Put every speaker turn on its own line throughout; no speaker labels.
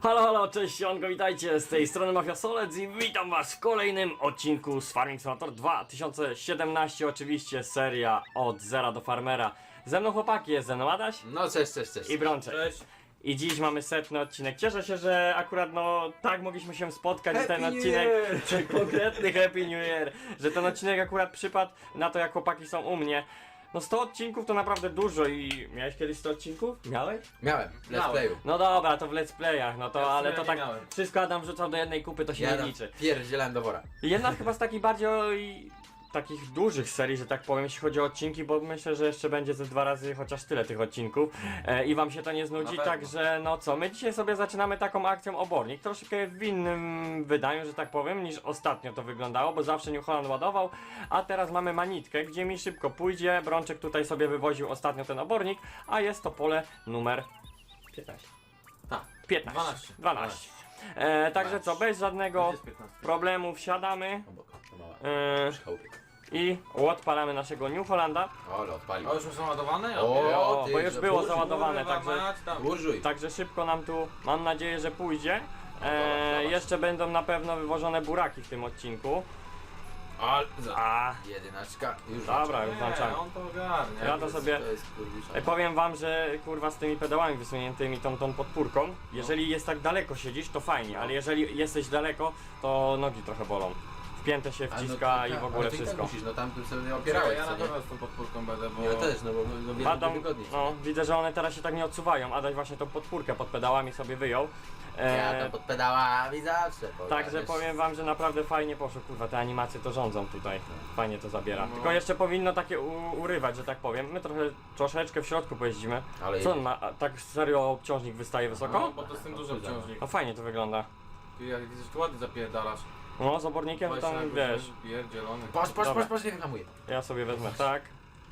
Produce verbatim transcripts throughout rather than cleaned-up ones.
Halo, halo, cześć, Sionko, witajcie, z tej strony Mafia Solec i witam was w kolejnym odcinku z Farming Simulator dwa tysiące siedemnaście, oczywiście seria od zera do farmera. Ze mną chłopaki, jest ze mną Adaś
No cześć, cześć, cześć.
i Brączek.
Cześć.
I dziś mamy setny odcinek. Cieszę się, że akurat no tak mogliśmy się spotkać, że ten
Happy New
odcinek,
Year!
czy konkretny Happy New Year, że ten odcinek akurat przypadł na to, jak chłopaki są u mnie. No sto odcinków to naprawdę dużo i miałeś kiedyś sto odcinków? Miałeś?
Miałem, let's
Miałem.
playu.
No dobra, to w let's playach, no to
Ja w
ale
sumie
to
nie
tak
miałem.
wszystko Adam wrzucał do jednej kupy, to się
Ja
nie
tam
liczy.
pierdzielałem do wora.
Jedna chyba z takich bardziej takich dużych serii, że tak powiem, jeśli chodzi o odcinki, bo myślę, że jeszcze będzie ze dwa razy chociaż tyle tych odcinków e, i wam się to nie znudzi,
Na pewno.
także no co, my dzisiaj sobie zaczynamy taką akcją obornik, troszkę w innym wydaniu, że tak powiem, niż ostatnio to wyglądało, bo zawsze New Holland ładował, a teraz mamy manitkę, gdzie mi szybko pójdzie, Brączek tutaj sobie wywoził ostatnio ten obornik, a jest to pole numer piętnaście.
Tak.
piętnaście.
dwanaście.
dwanaście. E, także co, bez żadnego
Jest piętnaście.
problemu wsiadamy
Obok, to mała.
e,
Przychałupy.
i odpalamy naszego New Hollanda.
Ole, odpalił.
O, już są załadowane?
O, ty,
bo już
że
było
burżuj,
załadowane,
Kurwa,
także,
mać tam.
Burżuj.
także szybko nam tu, mam nadzieję, że pójdzie.
dobra,
E,
zobacz.
jeszcze będą na pewno wywożone buraki w tym odcinku.
Ale, za.
A,
Jedyneczka, już
dobra, już
Nie,
włączamy.
on to ogarnie.
Ja to sobie-
To jest kurwisza.
E, powiem wam, że kurwa z tymi pedałami wysuniętymi tą, tą podpórką, jeżeli jest tak daleko siedzisz, to fajnie, ale jeżeli jesteś daleko, to nogi trochę bolą. Wpięte się
A, no
wciska
to
i
tak,
w ogóle
ale ty i tak
wszystko.
musisz, no tam tu sobie
Opierałeś,
opierałeś,
ja
co
na
nie?
pewno z tą podpórką będę, bo...
Ja też, no bo no, wiele
Adam,
wygodniej.
no widzę, że one teraz się tak nie odsuwają. Adaś właśnie tą podpórkę pod pedałami sobie wyjął. E,
Ja tam pod pedałami zawsze.
Także
pogadniesz.
powiem wam, że naprawdę fajnie poszło, kurwa, te animacje to rządzą tutaj. Fajnie to zabiera.
No.
Tylko jeszcze powinno takie u, urywać, że tak powiem. My trochę, troszeczkę w środku pojeździmy.
Ale
Co on ma? A, tak serio obciążnik wystaje
No,
wysoko?
bo to jest ten duży obciążnik.
No fajnie to wygląda.
Ty jak widzisz, tu ładnie zapierdalasz.
No z obornikiem to tam wiesz.
Pierdzielony.
Patrz, patrz,
Dobra.
patrz, patrz, nie wyhamuję.
Ja sobie wezmę tak.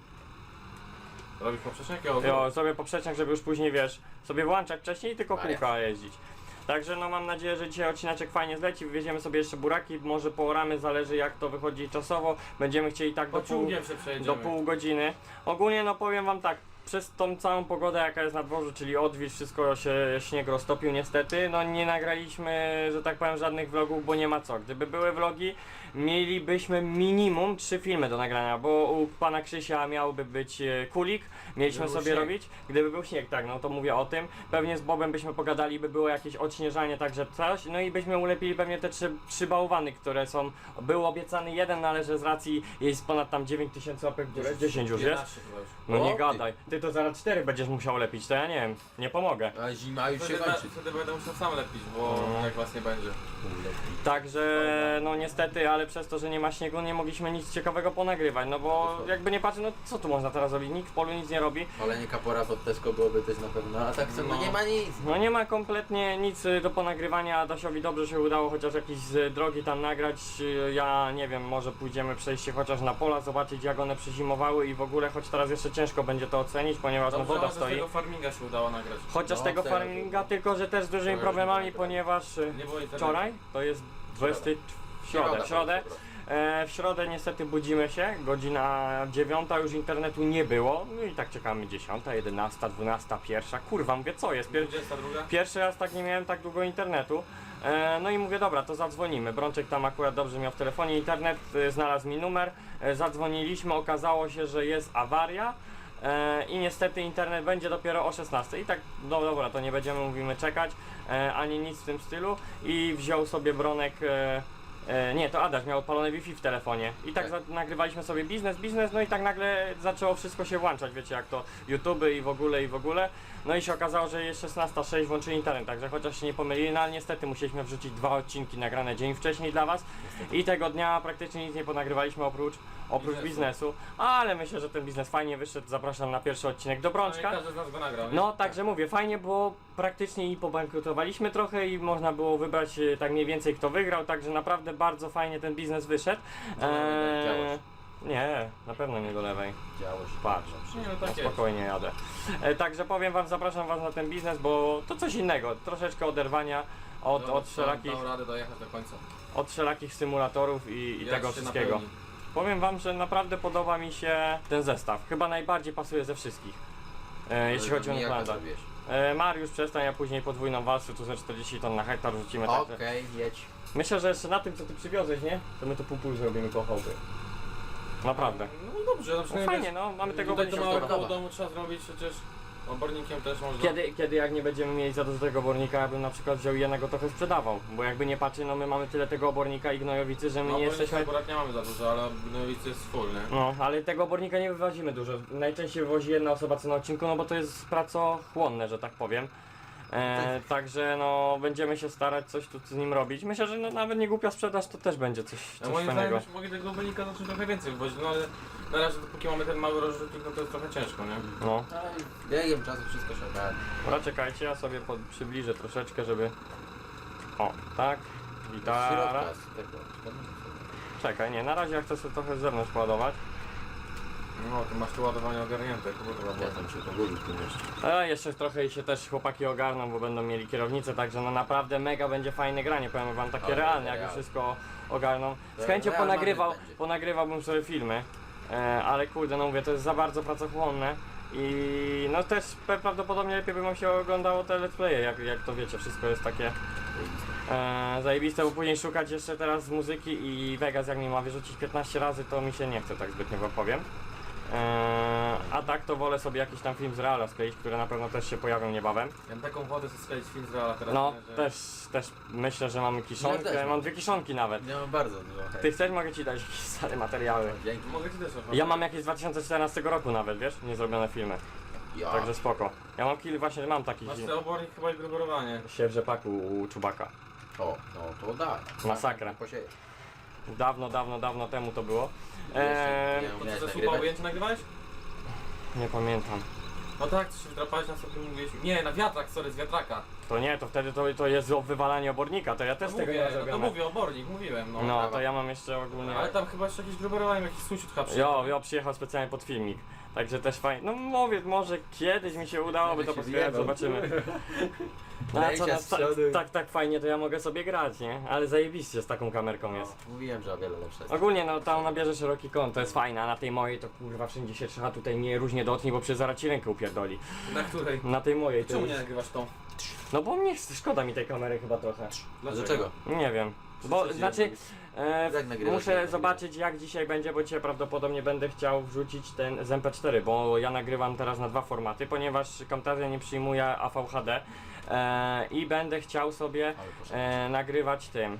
Robisz poprzeczniak? Ja
Jo, sobie poprzeczniak, żeby już później wiesz, sobie włączać wcześniej i tylko
Maria.
kółka jeździć. Także no mam nadzieję, że dzisiaj odcineczek fajnie zleci, wywieziemy sobie jeszcze buraki, może pooramy, zależy jak to wychodzi czasowo. Będziemy chcieli tak do pół,
Pociągiem się
do
przejedziemy.
pół godziny. Ogólnie no powiem wam tak, przez tą całą pogodę jaka jest na dworzu, czyli odwilż, wszystko się śnieg roztopił niestety, no nie nagraliśmy, że tak powiem, żadnych vlogów, bo nie ma co. Gdyby były vlogi, mielibyśmy minimum trzy filmy do nagrania, bo u pana Krzysia miałby być e, kulik, mieliśmy
Gdyby był
sobie
śnieg.
robić. Gdyby był śnieg, tak, no to mówię o tym. Pewnie z Bobem byśmy pogadali, by było jakieś odśnieżanie, także coś, no i byśmy ulepili pewnie te trzy, trzy bałwany, które są, był obiecany jeden, no ale że z racji jest ponad tam dziewięć tysięcy łapek w górę, dziesięć już jest.
jedenaście chyba już.
No
O,
nie
ty.
gadaj, ty to zaraz cztery będziesz musiał lepić, to ja nie wiem, nie pomogę.
A zima już się
Wtedy,
kończy.
wtedy będę musiał sam lepić, bo
No.
jak was nie będzie.
Także no niestety, ale przez to, że nie ma śniegu, nie mogliśmy nic ciekawego ponagrywać, no bo
Dokładnie.
jakby nie patrzę, no co tu można teraz robić, nikt w polu nic nie robi.
Palenie kapora pod Tesco byłoby też na pewno, a tak co, no
No.
nie ma nic.
No nie ma kompletnie nic y, do ponagrywania, Adasiowi dobrze się udało chociaż jakieś z drogi tam nagrać, y, ja nie wiem, może pójdziemy przejść się chociaż na pola, zobaczyć jak one przezimowały i w ogóle, choć teraz jeszcze ciężko będzie to ocenić, ponieważ no
Dobrze,
woda
że z
stoi.
tego farminga się udało nagrać.
Chociaż
No,
tego
teraz-
farminga, tylko że też z dużymi
już
problemami,
nie
ponieważ y,
Nie było internetu.
wczoraj, to jest dwudziesty w środę, w środę, e, w środę niestety budzimy się, godzina dziewiąta, już internetu nie było, no i tak czekamy dziesiąta, jedenasta, dwunasta, pierwsza, kurwa mówię co jest, Pier
dwudziesta druga?
pierwszy raz tak nie miałem tak długo internetu, e, no i mówię dobra, to zadzwonimy, Brączek tam akurat dobrze miał w telefonie internet, e, znalazł mi numer, e, zadzwoniliśmy, okazało się, że jest awaria, E, i niestety internet będzie dopiero o szesnastej i tak, no dobra, to nie będziemy, mówimy, czekać, e, ani nic w tym stylu i wziął sobie Bronek, e, e, nie, to Adaś miał odpalone Wi-Fi w telefonie i tak,
Tak.
Za, nagrywaliśmy sobie biznes, biznes, no i tak nagle zaczęło wszystko się włączać, wiecie jak to, YouTube i w ogóle i w ogóle, no i się okazało, że jest szesnasta sześć, włączyli internet, także chociaż się nie pomylili, no ale niestety musieliśmy wrzucić dwa odcinki nagrane dzień wcześniej dla was i tego dnia praktycznie nic nie ponagrywaliśmy oprócz oprócz
Biznesu.
biznesu, ale myślę, że ten biznes fajnie wyszedł, zapraszam na pierwszy odcinek do
No i
Brączka.
każdy z nas go nagrał. nie?
No także mówię, fajnie było, praktycznie i pobankrutowaliśmy trochę i można było wybrać e, tak mniej więcej kto wygrał, także naprawdę bardzo fajnie ten biznes wyszedł. Eee,
działaś.
nie, na pewno nie do lewej.
Działo się.
Patrz.
Nie, no
No
tak jest.
spokojnie jadę. E, także powiem wam, zapraszam was na ten biznes, bo to coś innego, troszeczkę oderwania od,
No,
od, wszelakich,
Dał radę dojechać do końca.
od wszelakich symulatorów i, i
Jak
tego
się
wszystkiego.
napełni.
Powiem wam, że naprawdę podoba mi się ten zestaw. Chyba najbardziej pasuje ze wszystkich. E, jeśli chodzi o
Jak to
Newlanda.
zrobiłeś?
E, Mariusz, przestań, a później podwójną walsę, tu ze czterdzieści ton na hektar rzucimy.
Okej,
Także
jedź.
myślę, że jeszcze na tym, co ty przywiozłeś, nie? To my to pół pół zrobimy koło chałupy. Naprawdę.
No dobrze, na
No
przykład
fajnie, no, mamy tego
tutaj to
obornika.
małe
dobra.
koło domu trzeba zrobić przecież. Obornikiem też można.
Kiedy, kiedy jak nie będziemy mieli za dużo tego obornika, ja bym na przykład wziął jednego trochę sprzedawał. Bo jakby nie patrzy, no my mamy tyle tego obornika i gnojowicy, że my
No
nie
obornika
jesteśmy...
akurat nie mamy za dużo, ale gnojowicy jest full, nie?
No, ale tego obornika nie wywozimy dużo. Najczęściej wywozi jedna osoba co na odcinku, no bo to jest pracochłonne, że tak powiem. E, także no, będziemy się starać coś tu z nim robić. Myślę, że no, nawet nie głupia sprzedaż to też będzie coś,
No
coś
moim
fajnego.
zdaniem już mogę tego obornika zacząć trochę więcej wywozić, no ale na razie dopóki mamy ten mały rozrzutnik, no to jest trochę ciężko, nie?
No,
Ale biegiem czasu wszystko się ogarnie.
dobra, czekajcie, ja sobie pod, przybliżę troszeczkę, żeby... O, tak,
Z
gitara.
środka, z tego.
Czekaj, nie, na razie ja chcę sobie trochę z zewnątrz ładować.
No, to masz tu ładowanie ogarnięte, kurwa.
Ja tam się pogubił w tym jeszcze.
A jeszcze trochę i się też chłopaki ogarną, bo będą mieli kierownicę, także no naprawdę mega będzie fajne granie, powiem wam, takie
Ale
realne, jak
real.
już wszystko ogarną. Z
To
chęcią
real
ponagrywał,
Madrid będzie.
ponagrywałbym sobie filmy, e, ale kurde, no mówię, to jest za bardzo pracochłonne i no też pe- prawdopodobnie lepiej by wam się oglądało te let's playe, jak, jak to wiecie, wszystko jest takie e, zajebiste, bo później szukać jeszcze teraz muzyki i Vegas jak mi ma wyrzucić piętnaście razy, to mi się nie chce, tak zbytnio wam powiem. Eee, a tak to wolę sobie jakiś tam film z Reala skleić, które na pewno też się pojawią niebawem.
Ja mam taką wodę, co skleić film z Reala teraz.
No,
nie, że...
też, też myślę, że mamy kiszonkę,
Ja też mam.
mam dwie kiszonki nawet.
Nie mam bardzo dużo. hej.
Ty chcesz, mogę ci dać jakieś stare materiały.
Dzięki.
Mogę ci też oferować.
Ja mam jakieś z dwa tysiące czternastego roku nawet, wiesz, niezrobione filmy,
Ja.
także spoko. Ja mam kilka, właśnie mam taki
Masz ten obornik chyba i gruberowanie.
się w rzepaku u Czubaka.
O, no to da.
Masakra.
Posieję.
Dawno, dawno, dawno temu to było. Eee,
Nie
To
umiałeś
co, ze słupa
nagrywać?
ujęcie nagrywałeś?
nie pamiętam.
No tak, co się wdrapałeś na sobie mówiłeś. Nie, na wiatrak, sorry, z wiatraka.
To nie, to wtedy to, to jest o wywalanie obornika, to ja też
No
tego
mówię,
nie
no to
zrobiłem.
mówię, obornik, mówiłem, no.
No, to ja mam jeszcze ogólnie...
Ale tam chyba jeszcze jakieś gruberowanie, jakiś sąsiad chyba
Jo,
przyjechał.
jo, przyjechał specjalnie pod filmik. Także też fajnie. No mówię, może kiedyś mi się udałoby to
się
pozbierać,
zjebał.
zobaczymy. No a co,
Lejcia
no,
z
tak,
przodu.
tak, tak fajnie to ja mogę sobie grać, nie? Ale zajebiście z taką kamerką jest.
Mówiłem, że o wiele lepsze jest.
Ogólnie no tam nabierze szeroki kąt, to jest fajne, a na tej mojej to kurwa wszędzie się trzeba tutaj nie różnie dotknij, bo przecież zaraz ci rękę upierdoli.
Na której?
Na tej mojej to
Czemu nie
jest...
nagrywasz tą?
No bo mnie szkoda mi tej kamery chyba trochę.
Dlaczego?
Nie wiem. Bo
Co ci
znaczy
robisz?
e,
Jak nagrywasz,
muszę
jak
zobaczyć jak dzisiaj będzie, bo dzisiaj prawdopodobnie będę chciał wrzucić ten z M P cztery, bo ja nagrywam teraz na dwa formaty, ponieważ Camtasia nie przyjmuje A V H D e, i będę chciał sobie
Ale poszedł.
e, nagrywać tym.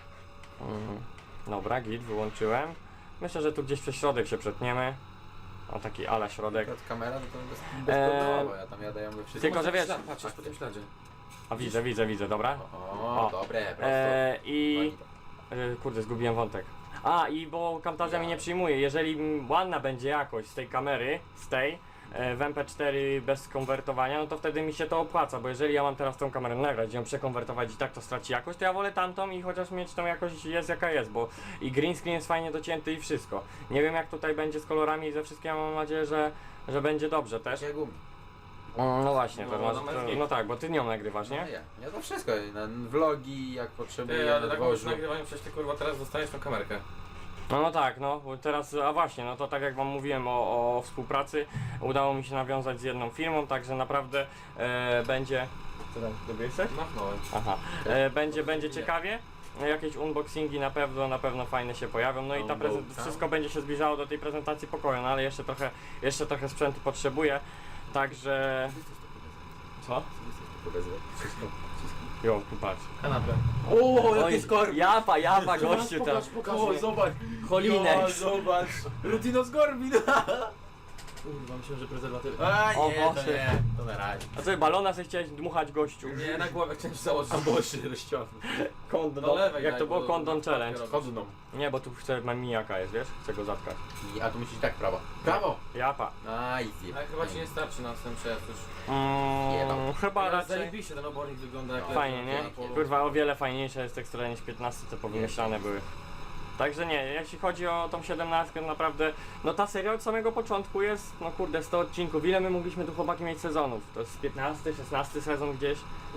Mm, dobra, git, wyłączyłem. Myślę, że tu gdzieś przez środek się przetniemy. O taki ala środek.
Akurat kamera, no to bez,
Eee,
bezproblemowo, ja tam jadę ją we wszystkim.
tylko, że wiesz-
Ślad, patrz, jest po tym śladzie.
A widzę, widzę, widzę, dobra.
O,
O.
dobre, prosto.
E, I
Fajnie.
E, Kurde, zgubiłem wątek. A, i bo Camtasia mi nie przyjmuje. Jeżeli mm, ładna będzie jakość z tej kamery, z tej, e, w M P cztery bez konwertowania, no to wtedy mi się to opłaca, bo jeżeli ja mam teraz tą kamerę nagrać, ją przekonwertować i tak to straci jakość, to ja wolę tamtą i chociaż mieć tą jakość jest jaka jest, bo i green screen jest fajnie docięty i wszystko. Nie wiem jak tutaj będzie z kolorami i ze wszystkim, ja mam nadzieję, że, że będzie dobrze też.
Takie gumy.
Mm, No właśnie, to,
No,
masz-
no,
to,
jest
no tak, bo ty nią nagrywasz,
No
nie?
ja, ja to wszystko, na vlogi jak potrzebuję,
Ty,
na
ale tak mówisz
dworzu.
nagrywanie, przecież ty kurwa teraz dostaniesz tą kamerkę.
No, no tak, no bo teraz, a właśnie, no to tak jak wam mówiłem o, o współpracy, udało mi się nawiązać z jedną firmą, także naprawdę e, będzie... Co tam, dobry jesteś?
Machnąłem.
Aha, e, będzie, będzie ciekawie, jakieś unboxingi na pewno, na pewno fajne się pojawią, no i ta prezent,
Unboxing.
wszystko będzie się zbliżało do tej prezentacji pokoju, no ale jeszcze trochę, jeszcze trochę sprzętu potrzebuję, także... Co? Jo, tu patrz.
Kanapę.
O,
Oj, japa, japa, gościu tam.
O, zobacz.
Holinek.
O, zobacz. Rutino z Gorbin.
Kurwa, myślałem, że prezerwatywy.
A
O
nie, to
Boże.
nie, to na razie.
A co, balona sobie chciałeś dmuchać gościu?
Nie, na głowę chciałem się założyć.
Boże, rozciągnął.
Kondon,
Do lewej
jak
daj,
to było
bo-
kondon
bo-
challenge.
bo-
Kodną.
Nie, bo tu chcę, mam mijaka jest, wiesz? Chcę go zatkać.
I, a tu musisz tak prawo. Prawo.
Japa.
A, easy.
Ale chyba ci nie starczy na ten przejazd już.
Mm,
Jebał.
chyba
Ale
raczej.
zajebiście ten obornik wygląda jak
No.
leży
Fajnie,
na
nie?
polu.
Kurwa, o wiele fajniejsza jest tekstura niż piętnaście, co powymyślane były. Także nie, jeśli chodzi o tą siedemnastkę, naprawdę, no ta seria od samego początku jest, no kurde, sto odcinków. Ile my mogliśmy tu chłopaki mieć sezonów? To jest piętnasty, szesnasty sezon gdzieś.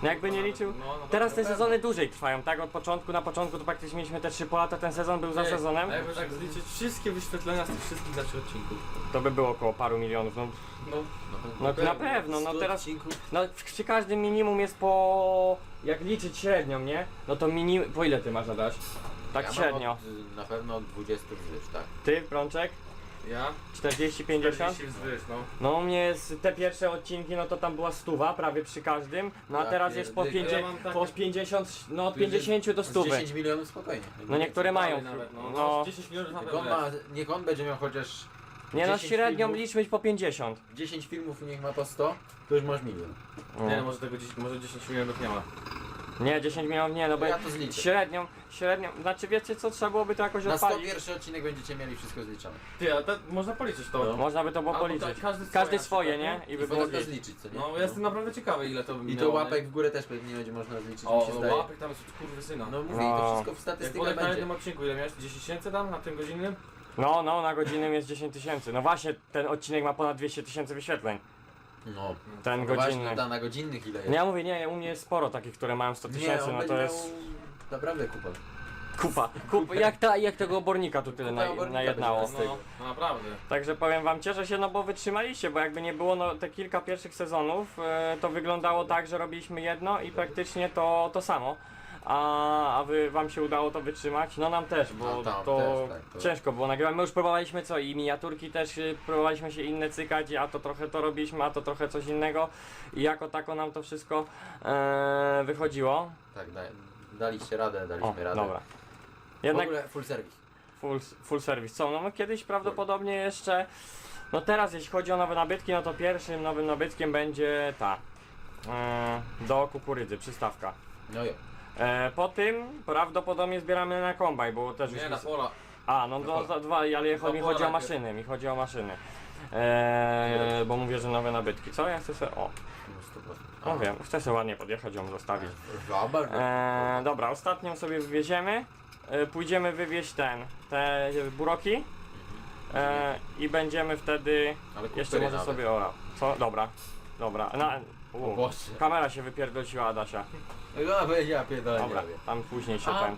No jakby nie liczył.
No, no,
Teraz te
na
sezony dłużej trwają, tak? Od początku, na początku to praktycznie mieliśmy te trzy po lata, ten sezon był za
pewno.
sezonem.
A jakby tak zliczyć wszystkie wyświetlenia z tych wszystkich naszych odcinków.
To by było około paru milionów. No,
No,
no na pewno, no
sto
teraz.
odcinków.
No przy każdym minimum jest po. Jak liczyć średnią, nie? No to minimum. Po ile ty masz Adaś? Tak
Ja
średnio.
Mam od, na pewno od dwudziestu wzwyż, tak?
Ty, Brączek?
ja?
czterdzieści pięćdziesiąt?
czterdzieści wzwyż, no.
No u mnie jest te pierwsze odcinki, no to tam była stuwa prawie przy każdym. No a
Ja
teraz jest po,
pierdykę.
pięćdziesiąt,
Ja mam
po
takie-
pięćdziesiąt, no od
Tu jest
pięćdziesięciu do
z
stówy.
dziesięć milionów spokojnie.
No niektóre mają.
Dalej nawet, no.
No.
no. dziesięć milionów na
Jak
pewno
on ma,
jest.
niech on będzie miał chociaż
Nie no
dziesięć
średnią
filmów.
liczmy po pięćdziesiąt.
dziesięć filmów i niech ma po sto, to już masz milion.
Nie, no, może tego dziesięć, może dziesięć milionów nie ma.
Nie, dziesięć milionów nie, no bo
Ja to zliczę.
średnią, średnią, znaczy wiecie co, trzeba byłoby to jakoś
Na sto
odpalić.
pierwszy odcinek będziecie mieli wszystko zliczone.
Ty, a te, można policzyć to.
No.
Można by to było
Albo
policzyć.
tak, każdy swoje
Każdy
na
swoje,
przykład,
nie?
nie?
I
I
by było
potem to
git.
zliczyć, co nie?
No, ja jestem naprawdę ciekawy ile to by
I to
miało,
łapek
nie?
w górę też pewnie będzie można zliczyć, mi
O,
się
no,
zdaje.
łapek tam jest od kurwysyna.
No mówię,
No.
i to wszystko w
Jak
statystykach
Bolek na
będzie.
jednym odcinku, ile miałeś? dziesięć tysięcy tam na tym godzinnym?
No, no, na godzinnym jest dziesięć tysięcy. No właśnie, ten odcinek ma ponad dwieście tysięcy wyświetleń.
No.
Ten
No właśnie,
godzinny.
no, na godzinnych ile jest?
Nie, ja mówię, nie, u mnie jest sporo takich, które mają sto
Nie,
tysięcy,
on
no
będzie
to jest
miał naprawdę kupę.
kupa. kupa. Jak, ta, jak tego obornika tu tyle
Kupa
na,
obornika
najednało.
będzie
No, no naprawdę.
Także powiem wam, cieszę się, no bo wytrzymaliście, bo jakby nie było no, te kilka pierwszych sezonów, e, to wyglądało tak, że robiliśmy jedno i praktycznie to, to samo. A, a wy, wam się udało to wytrzymać? No nam też, bo
No, tam
to,
też, tak, to-
ciężko było nagrywać. My już próbowaliśmy co i miniaturki też y, próbowaliśmy się inne cykać, a to trochę to robiliśmy, a to trochę coś innego. I jako tako nam to wszystko e, wychodziło.
Tak, da, daliście radę, daliśmy
O,
radę.
dobra.
W
Jednak
ogóle full service.
full, full service. Co? No my kiedyś prawdopodobnie jeszcze. No teraz jeśli chodzi o nowe nabytki, no to pierwszym nowym nabytkiem będzie ta. E, do kukurydzy, przystawka.
No jo.
E, po tym prawdopodobnie zbieramy na kombaj, bo też już
Nie, na
jest-
pola.
A, no
na
do,
pola.
za dwa, ale
Dwa
mi
pola
chodzi o
najpierw.
maszyny, mi chodzi o maszyny. E, bo mówię, że nowe nabytki. Co? Ja chcę sobie. O,
No sto procent.
no wiem, chcę sobie ładnie podjechać, ją zostawić.
Zobacz.
E, dobra, ostatnią sobie wywieziemy. E, pójdziemy wywieźć ten, te buroki. E, I będziemy wtedy.
Ale
Jeszcze
kupię
może
nawet.
sobie ora. Co? Dobra. Dobra. Na,
O
u,
Boże.
kamera się wypierdoliła Adasia.
Ja, ja pierdolę,
Dobra,
nie wiem.
tam później się
A,
ten.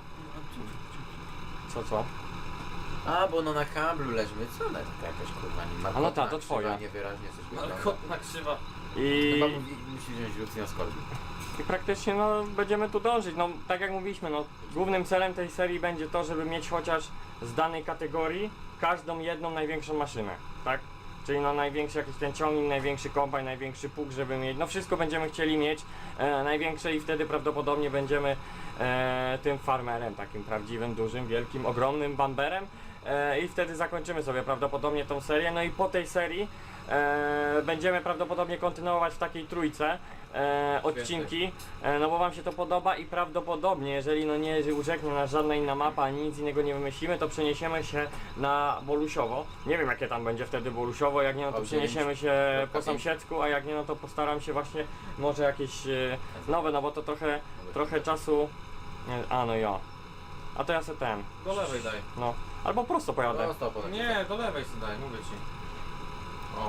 Co co?
a, bo no na kablu leżymy. Co ona taka jakaś kurwa nie ma?
A no ta,
kotna
to
krzywa,
twoja.
Niewyraźnie coś
Ale
wygląda.
kotna krzywa.
I,
Chyba mówi, musi wziąć Lucyna z kolby.
I praktycznie no będziemy tu dążyć. No tak jak mówiliśmy, no głównym celem tej serii będzie to, żeby mieć chociaż z danej kategorii każdą jedną największą maszynę, tak? Czyli no największy jakiś ten ciągnik, największy kombajn, największy pług, żeby mieć, no wszystko będziemy chcieli mieć e, największe i wtedy prawdopodobnie będziemy e, tym farmerem, takim prawdziwym, dużym, wielkim, ogromnym bamberem e, i wtedy zakończymy sobie prawdopodobnie tą serię, no i po tej serii e, będziemy prawdopodobnie kontynuować w takiej trójce e, odcinki, e, no bo wam się to podoba i prawdopodobnie, jeżeli no nie urzeknie nas żadna inna mapa, ani nic innego nie wymyślimy, to przeniesiemy się na Bolusiowo. Nie wiem jakie tam będzie wtedy Bolusiowo, jak nie no to
O,
przeniesiemy się po
pięć.
sąsiedzku, a jak nie no to postaram się właśnie może jakieś e, nowe, no bo to trochę, trochę czasu, nie, a no ja. A to ja se ten,
Do lewej daj.
no, albo prosto pojadę.
No stop,
Nie, do lewej sobie daj, mówię ci. O,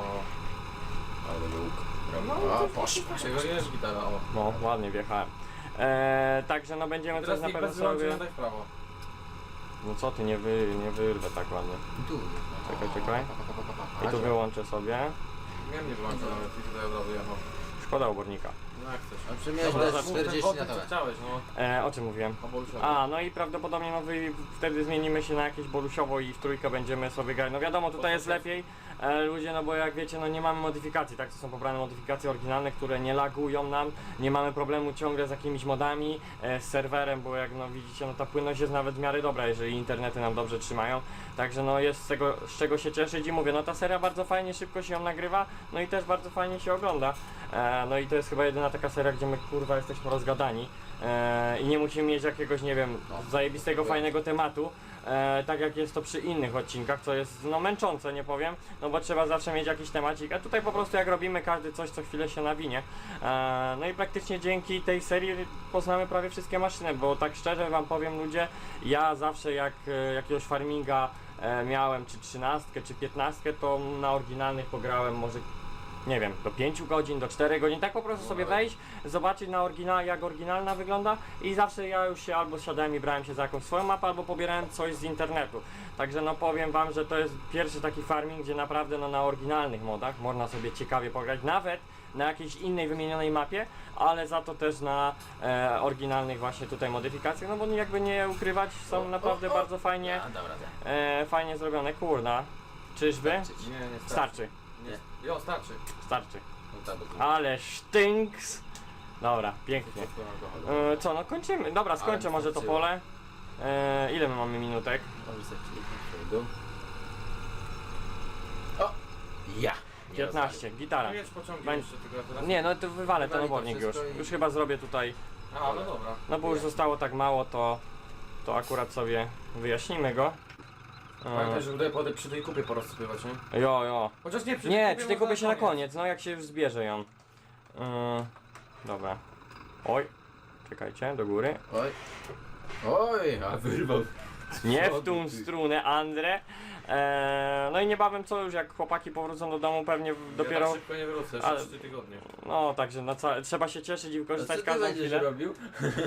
Ale łuk.
No,
A,
to-
poszło.
tego jest gitara, o.
No, ładnie wjechałem. E, także no będziemy
Teraz
coś na
niech
pewno
bez
sobie...
wyłączenia daj w prawo.
No co ty, nie, wy, nie wyrwę tak ładnie.
Tu jest, no.
Czekaj, czekaj. I tu wyłączę sobie.
Miałem nie wyłączę nawet i tutaj od razu jechał.
Szkoda obornika.
No jak chcesz.
A przemiałeś
Dobra,
dać
mów ten
czterdzieści
wątek,
na
co
tyle.
chciałeś, no.
E, o czym mówiłem?
O Bolszewie.
A, no i prawdopodobnie no wy, wtedy zmienimy się na jakieś bolusiowo i w trójkę będziemy sobie grać. No wiadomo, tutaj jest lepiej, e, ludzie, no bo jak wiecie, no nie mamy modyfikacji, tak? To są pobrane modyfikacje oryginalne, które nie lagują nam, nie mamy problemu ciągle z jakimiś modami, e, z serwerem, bo jak no widzicie, no ta płynność jest nawet w miarę dobra, jeżeli internety nam dobrze trzymają. Także no jest z tego, z czego się cieszyć i mówię, no ta seria bardzo fajnie, szybko się ją nagrywa, no i też bardzo fajnie się ogląda. E, no i to jest chyba jedyna taka seria, gdzie my kurwa jesteśmy rozgadani e, i nie musimy mieć jakiegoś, nie wiem, zajebistego, fajnego tematu, e, tak jak jest to przy innych odcinkach, co jest no męczące, nie powiem, no bo trzeba zawsze mieć jakiś temacik, a tutaj po prostu jak robimy każdy coś, co chwilę się nawinie. E, no i praktycznie dzięki tej serii poznamy prawie wszystkie maszyny, bo tak szczerze wam powiem ludzie, ja zawsze jak e, jakiegoś farminga e, miałem, czy trzynastkę, czy piętnastkę, to na oryginalnych pograłem może nie wiem, do pięciu godzin, do czterech godzin, tak po prostu sobie wejść, zobaczyć na oryginal, jak oryginalna wygląda i zawsze ja już się albo siadałem i brałem się za jakąś swoją mapę, albo pobierałem coś z internetu. Także no powiem wam, że to jest pierwszy taki farming, gdzie naprawdę no na oryginalnych modach można sobie ciekawie pograć, nawet na jakiejś innej wymienionej mapie, ale za to też na e, oryginalnych właśnie tutaj modyfikacjach, no bo jakby nie ukrywać, są naprawdę bardzo fajnie,
A, dobra, tak.
e, fajnie zrobione, kurna. Czyżby?
Starczyć.
Nie, nie starczy.
Starczy,
Nie. Jo, starczy.
starczy.
No tak, bo to-
Ale sztynks! Dobra, pięknie.
to alkoholu.
E, co, no kończymy. Dobra, skończę
Ale
może to
wystarczyło.
pole. E, ile my mamy minutek?
Może sobie przyjść do dół. O! Ja! Nie
piętnaście, gitara.
No jedź pociągiem
Bań-
jeszcze tylko teraz.
Nie, no to wywalę ten
Wywali to
obornik już.
wszystko i-
Już chyba zrobię tutaj,
A, no dobra.
no bo już
Nie.
zostało tak mało, to, to akurat sobie wyjaśnimy go.
Pamiętaj,
E,
że tutaj po- przy tej kupie porozsypywać, nie?
jo, jo.
Chociaż nie, przy
Nie,
tej
przy
kupie
tej kupie
można
się na koniec, no jak się już zbierze ją. E, dobra. Oj, czekajcie, do góry.
Oj! Oj! A wyrwał.
Nie
Co
w tą
ty?
strunę, Andre. Eee, no i niebawem co już, jak chłopaki powrócą do domu, pewnie w-
Ja
dopiero.
tak szybko nie wrócę, jeszcze
Ale-
trzy tygodnie.
No także na ca... trzeba się cieszyć i
A co
wykorzystać
ty
każdą
będziesz
chwilę.
robił?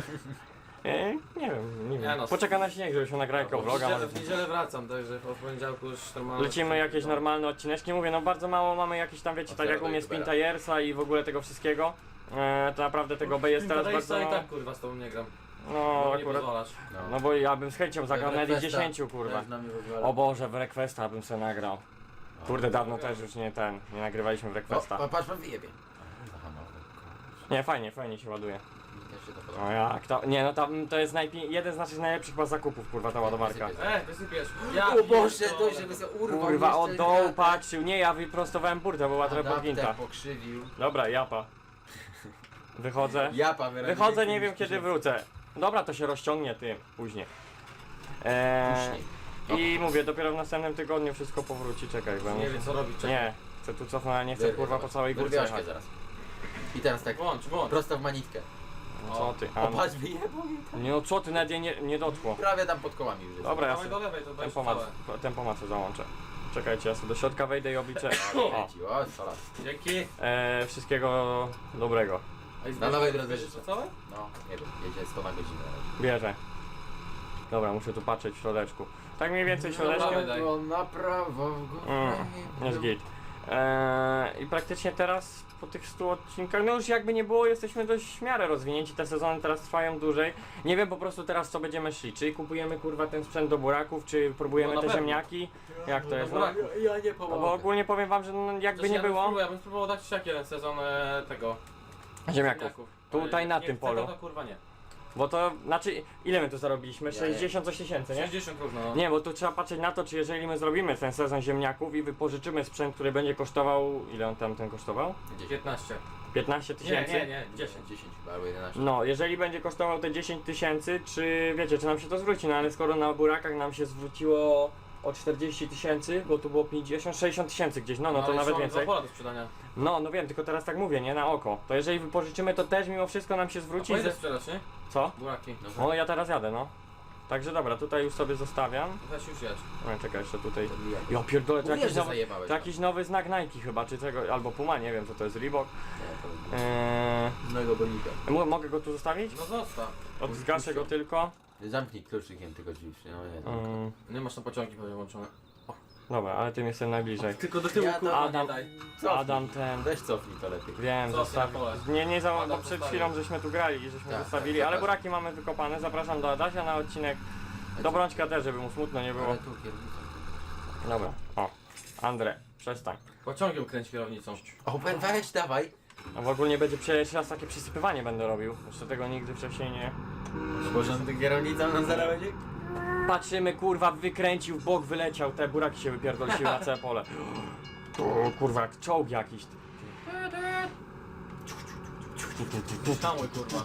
Eee, nie wiem, nie
Nie
wiem.
no,
Poczeka na śnieg, żebyśmy nagrali jako
W
vloga.
niedzielę, w niedzielę wracam, także od poniedziałku już normalnie.
Lecimy jakieś normalne odcineczki. Mówię, no bardzo mało mamy jakieś tam, wiecie, tak jak u mnie Spin Tiersa i w ogóle tego wszystkiego. Eee, to naprawdę tego B jest teraz bardzo
i
mało.
tak kurwa z tobą nie gram.
No
No nie
akurat.
pozwalasz.
No bo ja bym z chęcią zagrał nawet i
Requesta.
dziesięciu, kurwa.
Też na mnie w ogóle.
O Boże, w Requesta bym sobie nagrał. Kurde, dawno też już nie ten, nie nagrywaliśmy w
O,
Requesta.
pa- patrz, pan wyjebie. Zahamował.
Nie, fajnie, fajnie się ładuje.
Mi też się to
No
podoba.
jak to? Nie no tam to jest najpi- jeden z naszych najlepszych chyba zakupów, kurwa, ta ładowarka.
E, wysypiesz. Ja
O Boże,
pierdolę.
to żeby sobie urwał
Kurwa,
jeszcze
od dołu
gratę.
patrzył. Nie, ja wyprostowałem burtę, była trochę
Adapter
podgięta.
pokrzywił.
Dobra, japa. Wychodzę.
Japa wyraźnie.
Wychodzę, nie wiem kiedy wrócę. Dobra, to się rozciągnie tym później. Eee,
Później.
I mówię, dopiero w następnym tygodniu wszystko powróci. Czekaj, bo ja
Nie
muszę...
wiem co robić, czekaj.
Nie, chcę tu cofnąć, ale nie chcę
Wyrwę,
kurwa po
zobacz.
całej górce
Wyrwiaszkę
jechać.
zaraz. I teraz tak
Włącz, włącz.
prosto w manitkę.
No co ty?
O,
A,
patrz, wyjebał mnie tam.
nie no co ty, nawet nie, nie dotkło.
Prawie tam pod kołami już jest.
Dobra, ja
Dawaj
sobie
do lewej, to weź
tempomat,
całe.
tempomat sobie załączę. Czekajcie, ja sobie do środka wejdę i obliczę. O,
Kręci, o, sola.
Dzięki.
e, wszystkiego dobrego.
A i
Na nowej drodze
bierzesz
życzę.
to całe?
No, nie wiem, jedzie sto na godzinę.
Bierze. Dobra, muszę tu patrzeć w środeczku. Tak mniej więcej środeczkiem.
Dawaj, daj.
Go na prawo, w górę.
Mm, jest git. Eee, I praktycznie teraz po tych stu odcinkach, no już jakby nie było, jesteśmy dość w miarę rozwinięci, te sezony teraz trwają dłużej. Nie wiem po prostu teraz co będziemy szli, czy kupujemy kurwa ten sprzęt do buraków, czy próbujemy
No na
te
pewno.
ziemniaki, jak to jest, no,
buraków.
Ja, ja nie
no
pomogę.
bo ogólnie powiem wam, że no, jakby
Chociaż
nie
ja bym
było
spróbował- Ja bym spróbował dać siak jeden sezon e, tego.
ziemniaków. Tutaj
Ale
na
jak
tym
nie chcę,
polu.
To, to kurwa nie.
Bo to, znaczy, ile my tu zarobiliśmy?
Ja nie.
sześćdziesiąt coś tysięcy, nie?
sześćdziesiąt równo. No.
Nie, bo tu trzeba patrzeć na to, czy jeżeli my zrobimy ten sezon ziemniaków i wypożyczymy sprzęt, który będzie kosztował, ile on tam ten kosztował?
piętnaście.
piętnaście
Nie,
tysięcy?
nie, nie, dziesięć.
dziesięć chyba, albo jedenaście.
No, jeżeli będzie kosztował te dziesięć tysięcy, czy wiecie, czy nam się to zwróci? No ale skoro na burakach nam się zwróciło o czterdzieści tysięcy, bo tu było pięćdziesiąt, sześćdziesiąt tysięcy gdzieś, no, no to
ale
nawet
jeszcze mamy
więcej.
dwa pola do sprzedania.
No, no wiem, tylko teraz tak mówię, nie, na oko. To jeżeli wypożyczymy, to też mimo wszystko nam się
A
zwróci.
po ile
Ze...
sprzedać, nie?
Co?
Buraki.
No, ja teraz jadę, no. Także dobra, tutaj już sobie zostawiam.
Weź już jedź.
No, czekaj, jeszcze tutaj.
Podbijaj.
Ja pierdolę, to
Mówię,
jakiś
że
nowy,
zajebałeś.
to jakiś nowy znak Nike chyba, czy tego, albo Puma, nie wiem co to jest, Reebok.
Nie, to
Eee,
z mojego bolnika.
mo- mogę go tu zostawić?
No zostaw.
Od, zgaszę go tylko.
Zamknij kluczykiem tylko drzwi, no nie.
Mm,
Nie masz na pociągi pewnie włączone.
dobra, ale tym jestem najbliżej.
Tylko do tyłu
Ja to-
kurwa
Adam-
nie daj.
Cofnij.
Adam ten.
Weź cofnij to lepiej.
Wiem,
Co,
zostaw...
na pole?
Nie, nie za...
Adam
bo przed
zostawił.
chwilą żeśmy tu grali i żeśmy
Tak,
zostawili,
tak,
ale
zapraszam.
buraki mamy wykopane. Zapraszam do Adasia na odcinek. Do Brączka też, żeby mu smutno nie było.
Ale tu kierownicą.
Dobra, o. Andre, przestań.
Pociągiem kręć kierownicą.
O, we- weź, dawaj.
A w ogóle będzie pierwszy raz takie przysypywanie będę robił. Jeszcze tego nigdy wcześniej nie...
Porządny kierownicą na zaraz będzie?
Patrzymy, kurwa, wykręcił, w bok wyleciał, te buraki się wypierdolsiły na całe pole. O, kurwa, jak czołg jakiś.
Hamuj kurwa.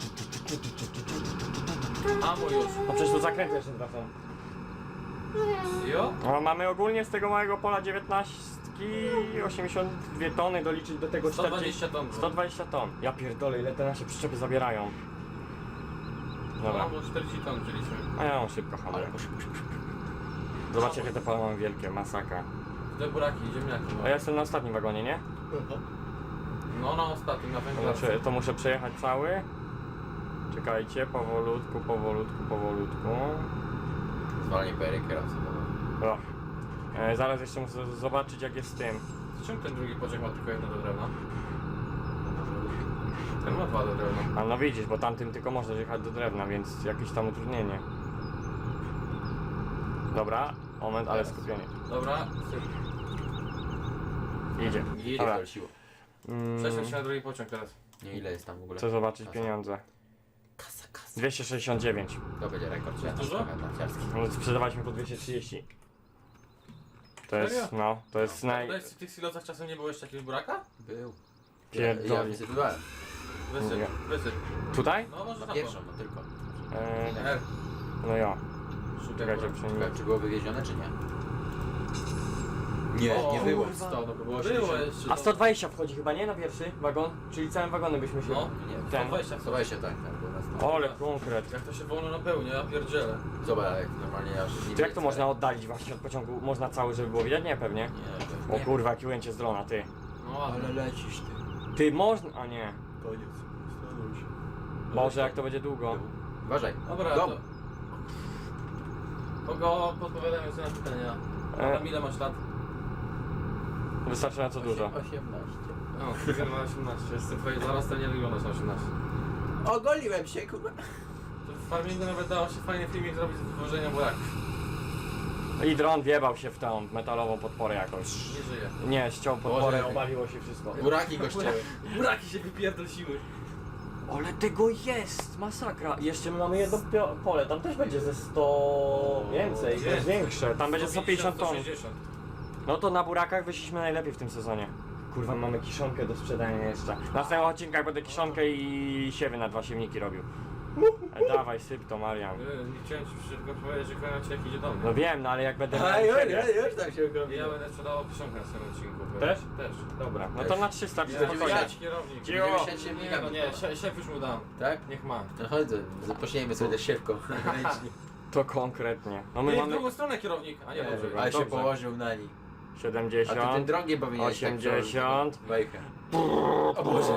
Hamuj już.
No przecież tu zakręty jeszcze tracą.
Jo?
No, mamy ogólnie z tego małego pola dziewiętnaście, osiemdziesiąt dwie tony, doliczyć do tego
sto
czterdzieści,
dwadzieścia ton.
sto dwadzieścia ton. Ja pierdolę, ile te nasze przyczepy zabierają. Dobra,
No, bo czterdzieści ton wzięliśmy.
a ja mam szybko hamuję.
Ale poszło, poszło, poszło.
Zobaczcie, jakie te pola mamy wielkie, masakra.
Te buraki, ziemniaki. No.
A ja jestem na ostatnim wagonie, nie?
No na ostatnim, na
To
węglacie.
muszę, to muszę przejechać cały. Czekajcie, powolutku, powolutku, powolutku.
Zwalnie pery kierowcy.
O. E, zaraz jeszcze muszę z- zobaczyć jak jest z tym.
Czemu ten drugi pociąg ma tylko jedno do drewna? Ten ma dwa do drewna.
A no widzisz, bo tamtym tylko można jechać do drewna, więc jakieś tam utrudnienie. Dobra, moment, ale skupienie.
Dobra, syp.
Idzie.
Idzie
Dobra.
to siło.
Mm,
Prześleć się na drugi pociąg teraz.
Nie, ile jest tam w ogóle?
chcę zobaczyć
Kasa.
pieniądze.
Kasa, kasa.
dwieście sześćdziesiąt dziewięć.
To będzie rekord.
Jest dużo?
Narciarski.
No, sprzedawaliśmy po dwieście trzydzieści. To jest,
Serio?
no, to jest naj...
Tutaj w tych silosach czasem nie było jeszcze jakiegoś buraka?
Był.
Pierdoli.
Ja wysypywałem.
Wysyp,
Nie.
wysyp.
Tutaj?
No może
Na
za
pierwszą, no tylko.
E,
R.
no ja.
Szukaj
Czekajcie,
buraka.
przynajmniej.
Czy było wywiezione, czy nie? Nie,
O,
nie było
kurwa.
sto, no bo było
Było
osiemdziesiąt.
jeszcze.
A sto dwadzieścia wchodzi chyba, nie? Na pierwszy wagon? Czyli całym wagonem byśmy się...
No.
Nie,
Ten.
sto dwadzieścia.
Słuchaj się tak, tak, było na sto.
Ole, konkret.
Jak to się wolno napełnia, ja pierdzielę.
Zobacz, jak normalnie ja już nie
To jak to
widzę.
można oddalić właśnie od pociągu? Można cały, żeby było widać? Nie, pewnie.
Nie,
O
pewnie.
kurwa, jakie ujęcie z drona, ty.
No ładnie.
Ale lecisz ty.
Ty, można... A nie.
Koniec. Stanął się.
Boże, jak to będzie długo.
Uważaj.
Dobra,
Dom.
to... Kogo podpowiadamy sobie na pytania?
E.
Adam, ile masz lat?
Wystarczająco dużo.
osiemnaście.
O, ty ma osiemnaście. Jestem twoje zaraz to nie wyglądasz na osiemnaście.
Ogoliłem się, kurwa.
To w farmingu nawet dało się fajny filmik zrobić z wywożenia buraków.
I dron wjebał się w tą metalową podporę jakoś.
Nie żyje.
Nie, ściął podporę,
Boże.
obaliło się wszystko.
Buraki go ścięły.
Buraki się wypierdolsiły.
Ale tego jest, masakra. Jeszcze my mamy jedno pio- pole, tam też będzie ze sto więcej, to jest większe. Tam będzie sto pięćdziesiąt ton.
sto sześćdziesiąt.
No to na burakach wyszliśmy najlepiej w tym sezonie. Kurwa, mamy kiszonkę do sprzedania jeszcze. Na następnych odcinkach będę kiszonkę i siewy na dwa siewniki robił. E, dawaj, syp to, Marian.
Yy, Nie chciałem ci szybko powiedzieć, że kolejny odcinek idzie do mnie.
No wiem, no ale jak będę miał
A już,
siebie.
już, już tak się
I
okropiło.
ja będę sprzedawał kiszonkę na swoim odcinku.
Też?
Też.
Dobra, no to na trzysta,
Ja,
czy spokojnie.
ja kierownik.
Cicho.
Będziemy się
Nie,
siewnikami.
no nie, szef, szef już mu dam.
Tak?
Niech ma.
No chodź, zapośniemy sobie też siewką.
To konkretnie. No my
Nie, w
mamy
drugą stronę kierownik, a nie
Nie,
dobrze.
dobra.
Ale się
Dobrze.
położył na nim. A ty ten
siedemdziesiąt.
drągiem powinieneś tak
osiemdziesiąt.
przełożyć. Wejchę. O Boże.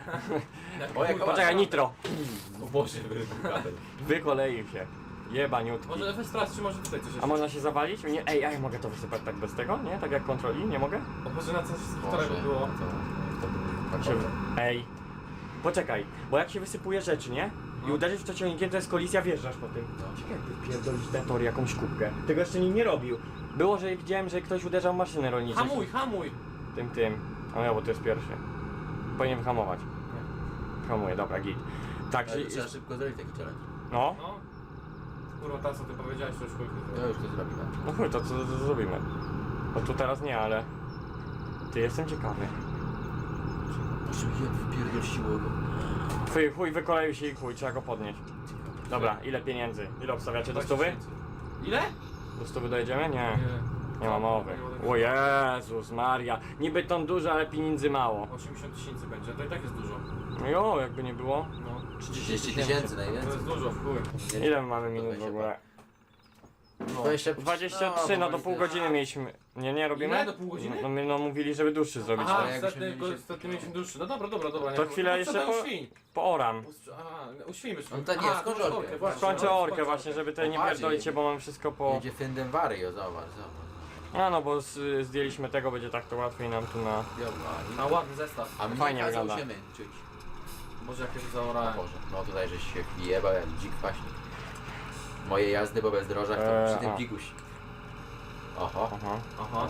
O, jak
Poczekaj, nitro.
O Boże, wybuchamy.
Wykoleił się. Jebaniutki.
Może weź teraz, czy może tutaj coś
A
jeszcze?
można się zawalić? Nie, ej, ej, mogę to wysypać tak bez tego? Nie? Tak jak kontroli? Nie mogę?
O, może na coś którego było.
Tak
Się... Ej. Poczekaj, bo jak się wysypuje rzeczy, nie? I
No.
uderzysz w to ciągnikiem, to jest kolizja, wjeżdżasz po tym. Ciekawe jakby wpierdolić na tor jakąś kubkę. Tego jeszcze nikt nie robił. Było, że widziałem, że ktoś uderzał w maszynę rolniczą.
Hamuj, hamuj!
Tym, tym. A ja, bo to jest pierwszy. Powinien wyhamować. Hamuję, dobra, git. Tak,
Ale
że...
trzeba szybko zrobić taki challenge.
No.
No. Kurwa, ta co ty powiedziałeś, to już chuj.
To już to zrobimy.
No chuj, to co to, to zrobimy? No tu teraz nie, ale... Ty, jestem ciekawy.
Boże, jak wypierdolsiło go.
Twój chuj wykoleił się i chuj, trzeba go podnieść. Dobra, ile pieniędzy? Ile obstawiacie do stówy?
Ile?
Do stówy dojedziemy? Nie. Nie ma
Nie
mowy. O Jezus Maria. Niby ton dużo, ale pieniędzy mało.
osiemdziesiąt tysięcy będzie, to i tak jest dużo.
No jo, jakby nie było.
No.
trzydzieści tysięcy
To
najwięcej.
jest dużo, w chuj.
Ile my mamy minut w ogóle?
No.
dwadzieścia
dwadzieścia trzy, no do pół godziny mieliśmy. Nie, nie robimy?
Ile? Do pół godziny?
No, my no mówili, żeby dłuższy zrobić.
Aha,
ale jakbyśmy
ostatnio
mieli się-
ostatnio mieliśmy dłuższy. No dobra, dobra, dobra.
To
nie-
chwilę
no,
jeszcze
co tam
po-
Uświń.
Pooram.
Ust- Aha, uświjmy się.
No to nie,
A,
skończ
skończ
orkę,
właśnie.
Skończę
no,
orkę
skończ
właśnie, żeby tutaj nie
Poważnie.
pierdolić się, bo mamy wszystko po...
Jedzie Fendem Vario, zobacz, zobacz.
A no, bo z, zdjęliśmy tego, będzie tak to łatwiej nam tu na...
Na ładny zestaw.
A mnie
Fajnie
kazał
wygląda.
się męczyć.
Boże, jak się
O
zaorałem.
Boże, no tutaj żeś się jebał jak dzik paśnik. Moje jazdy po bezdrożach to
Eee,
przy tym
aha.
piguś. Oho,
Aha.
Aha.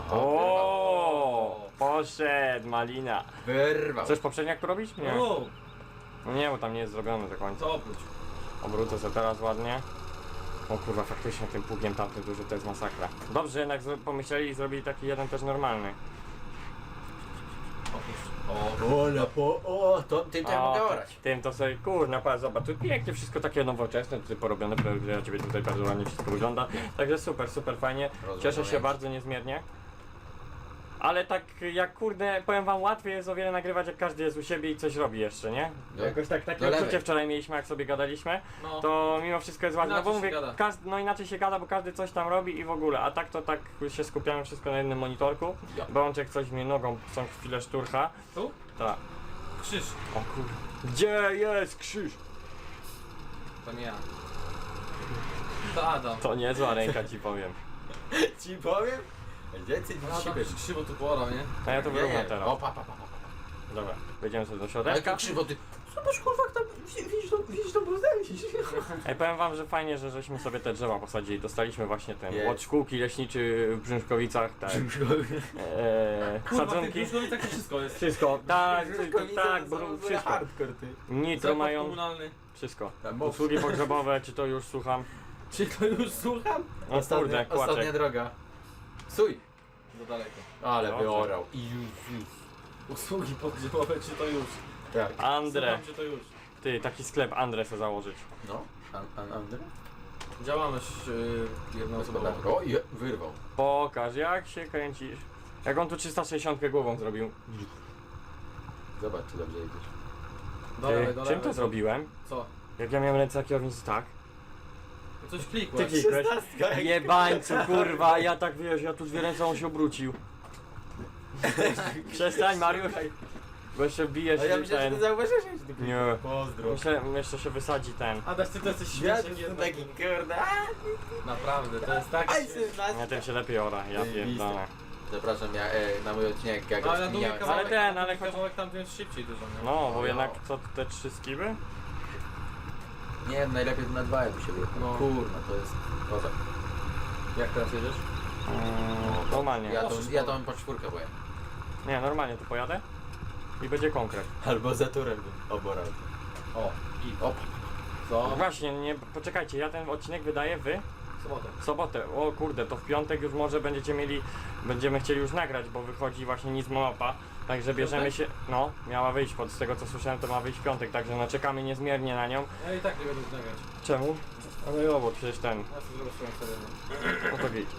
O, poszedł, malina.
wyrwał.
Chcesz poprzedniak tu robić? Nie.
O,
No nie, bo tam nie jest zrobione do końca.
to oprócz.
Obrócę sobie teraz ładnie. O kurwa, faktycznie tym pługiem tamtym duży to jest masakra. Dobrze, że jednak zro- pomyśleli i zrobili taki jeden też normalny.
Oprócz.
O, na po... O, to tym to ja mogę
O,
orać.
tym to sobie, kurna, patrz, zobacz, tu pięknie wszystko takie nowoczesne, tutaj porobione, że ja ciebie tutaj bardzo ładnie wszystko wygląda. Także super, super fajnie. Cieszę się bardzo niezmiernie. Ale tak jak kurde, powiem wam, łatwiej jest o wiele nagrywać, jak każdy jest u siebie i coś robi jeszcze, nie?
Do-
Jakoś tak, takie
do lewej.
odczucie wczoraj mieliśmy, jak sobie gadaliśmy,
No.
to mimo wszystko jest ważne, no bo
Inaczej
mówię,
się gada.
każdy, no inaczej się gada, bo każdy coś tam robi i w ogóle, a tak to tak się skupiamy wszystko na jednym monitorku.
Ja.
Bączek coś mnie nogą co chwilę szturcha.
Tu?
Tak.
Krzyż.
O kurwa. Gdzie jest krzyż?
To nie ja. To Adam.
To niezła ręka ci powiem.
Ci powiem? Więcej niż
Adam
siebie.
krzywo tu porał, nie?
A ja to wyrównam
O,
teraz.
pa, pa, pa, pa, pa.
Dobra, wejdziemy sobie do
Ale
środeczka.
to krzywo ty. Zobacz kurwa, jak tam widzisz tą, widzisz tą brudę, widzisz?
Ej, powiem wam, że fajnie, że żeśmy sobie te drzewa posadzili. Dostaliśmy właśnie ten
Jest.
od szkółki leśniczy w Brzęszkowicach, tak. Eee,
Kurwa, w
sadzonki.
tych takie wszystko jest.
Wszystko, tak, tak, bo wszystko.
Hardcore ty.
Nitro
Zakład
mają,
komunalny.
wszystko.
Tam moc.
Usługi pogrzebowe, czy to już słucham?
Czy to już słucham?
O kurde,
Ostatnia
kłaczek.
droga. Suj.
Za daleko.
Ale
Dobrze.
wyorał. I już, już.
Usługi podgrzebowe, czy to już?
Tak.
Andre,
Słucham, czy to już?
ty, taki sklep Andre se założyć.
No. An, an, Andre?
Działalność yy, jednoosobową.
Gospodarka. O, je, wyrwał.
Pokaż, jak się kręcisz. Jak on tu trzysta sześćdziesiąt głową zrobił.
Zobacz, czy dobrze jedziesz.
Ty,
Do lewej, do
czym
lewej.
to zrobiłem?
Co?
Jak ja miałem ręce na kierownicy, tak?
No coś
Ty
klikłeś.
klikłeś. Jebańcu, kurwa, ja tak wiesz, ja tu dwie ręce, on się obrócił. Przestań, Mariusz. Bo jeszcze bijesz
A ja
się
myślę, że
ten...
ty zauważyłeś, że ty
Nie.
Pozdro.
Myślę, jeszcze się wysadzi ten.
Adaś, ty to jesteś
Ja
śmieszny.
jestem taki kurde.
Naprawdę, to jest tak
Aj,
śmieszne.
Ja tym się lepiej ora, ja pierdolę.
Zapraszam ja, e, na mój odcinek, jak
No, ale na długi
rozkminiałem.
kawałek,
Ale ten,
na
ale
długi
choć-
kawałek tam jest szybciej dużo, nie?
No, bo
No.
jednak co te trzy skiby?
Nie wiem, najlepiej to na dwa jakby się wyjechał.
No.
Kurna, to jest... Kozak.
Jak teraz jedziesz?
Mm, normalnie.
Ja to,
Możesz
ja
to-
to po czwórkę boję.
Nie, normalnie tu pojadę i będzie konkret.
Albo za turem bym oborał.
O,
I op.
co?
Właśnie, nie, poczekajcie, ja ten odcinek wydaję wy
Sobotę.
w sobotę. O kurde, to w piątek już może będziecie mieli, będziemy chcieli już nagrać, bo wychodzi właśnie nic mapa. Także bierzemy się, no, miała wyjść, pod z tego co słyszałem to ma wyjść w piątek, także no czekamy niezmiernie na nią.
Ja i tak nie będę nagrać.
Czemu? Ale jo, bo przecież ten,
Ja sobie zrobię swoją serię.
no to git.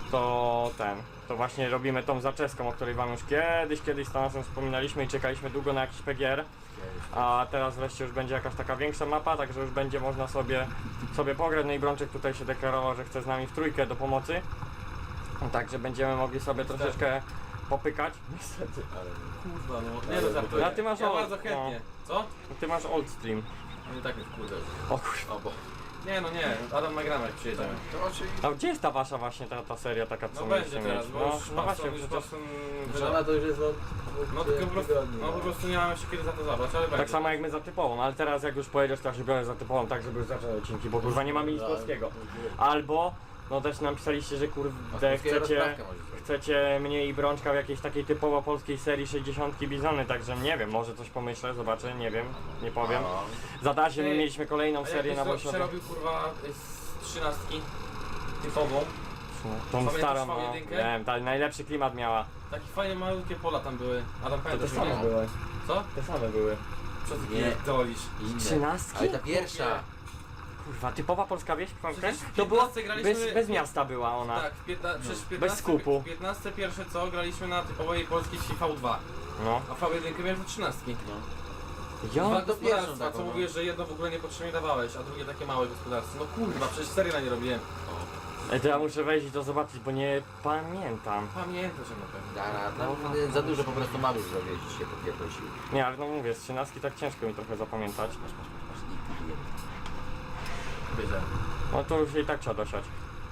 To ten, to właśnie robimy tą zaczeską, o której wam już kiedyś, kiedyś z Tanasem wspominaliśmy i czekaliśmy długo na jakiś P G R. A teraz wreszcie już będzie jakaś taka większa mapa, także już będzie można sobie, sobie pograć. No i Brączek tutaj się deklarował, że chce z nami w trójkę do pomocy. Także będziemy mogli sobie troszeczkę popykać. Niestety.
Ale...
Kurwa, no. Nie no, żartuję.
A ty masz
Ja
o-
bardzo chętnie. Co?
Ty masz old stream.
No i tak jest kurde.
O kurwa.
O, bo...
Nie no nie, Adam nagramy jak przyjedziemy.
To oczywiście...
A gdzie jest ta wasza właśnie ta, ta seria taka co
No
mieliście
będzie teraz,
mieć?
bo
No,
już
no właśnie,
już
przecież
Boston
Że ona to już jest od...
No tylko po prostu,
tygodni,
no po prostu nie mamy się kiedy za to zabrać, ale będzie.
tak samo jak my za typową, ale teraz jak już pojedziesz, to ja się biorę za typową, tak żeby już zacząć odcinki, bo kurwa nie mamy nic polskiego. Albo, no też nam pisaliście, że kurde chcecie, chcecie mnie i Brączka w jakiejś takiej typowo polskiej serii sześćdziesiąt Bizony, także nie wiem, może coś pomyślę, zobaczę, nie wiem, nie powiem. Za Dasię my
Ty,
mieliśmy kolejną serię na
Bosie.
Bosiowie.
Przerobił kurwa z trzynastki typową.
Tą
Pamiętasz
starą,
V
no,
jeden?
wiem, ta najlepszy klimat miała.
Takie fajne malutkie pola tam były. Adam
To te
pamiętasz?
same
nie?
były,
Co?
te same były.
Co ty
Nie.
pierdolisz?
Trzynastki?
Ale ta pierwsza...
Kurwa, typowa polska wieś, Frankę?
Przecież w
To było,
piętnastce graliśmy-
bez, bez miasta była ona.
Tak, w piętna... przecież w
Bez
piętnastce,
skupu.
w piętnastce pierwsze co graliśmy na typowej polskiej V dwa,
No.
a V jeden miałem za trzynastki.
No.
Ja?
Dwa
to
gospodarstwa,
pierwszą taką,
co
no.
mówisz, że jedno w ogóle niepotrzebnie dawałeś, a drugie takie małe gospodarstwo. No kurwa, przecież serii na nie robiłem.
Ej, to ja muszę wejść i to zobaczyć, bo nie pamiętam.
Pamiętasz na pewno.
Dara, no, za dużo po prostu mamy już zrobić, się popierdolsiły.
Nie, ale no mówię, z trzynastki tak ciężko mi trochę zapamiętać.
Masz, masz, masz, masz i pijemy.
Wiedziałem.
No to już i tak trzeba dosiać.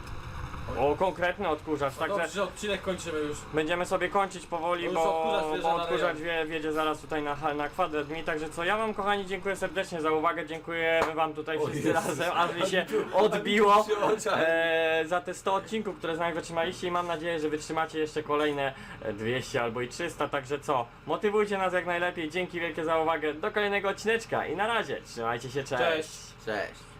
O, konkretny odkurzacz,
No
także
dobrze, że odcinek kończymy już.
będziemy sobie kończyć powoli,
No już
bo,
odkurzacz wjeżdża
bo
na
odkurzacz
rejon.
wie, wiedzie zaraz tutaj na, na kwadrat mi, także co, ja wam kochani dziękuję serdecznie za uwagę, dziękujemy wam tutaj
O
wszyscy
Jezus.
razem, aż mi się odbiło
Przy oczach.
e, za te sto odcinków, które z nami wytrzymaliście i mam nadzieję, że wytrzymacie jeszcze kolejne e, dwieście albo i trzysta, także co, motywujcie nas jak najlepiej, dzięki wielkie za uwagę, do kolejnego odcineczka i na razie, trzymajcie się, cześć.
Cześć.
Cześć.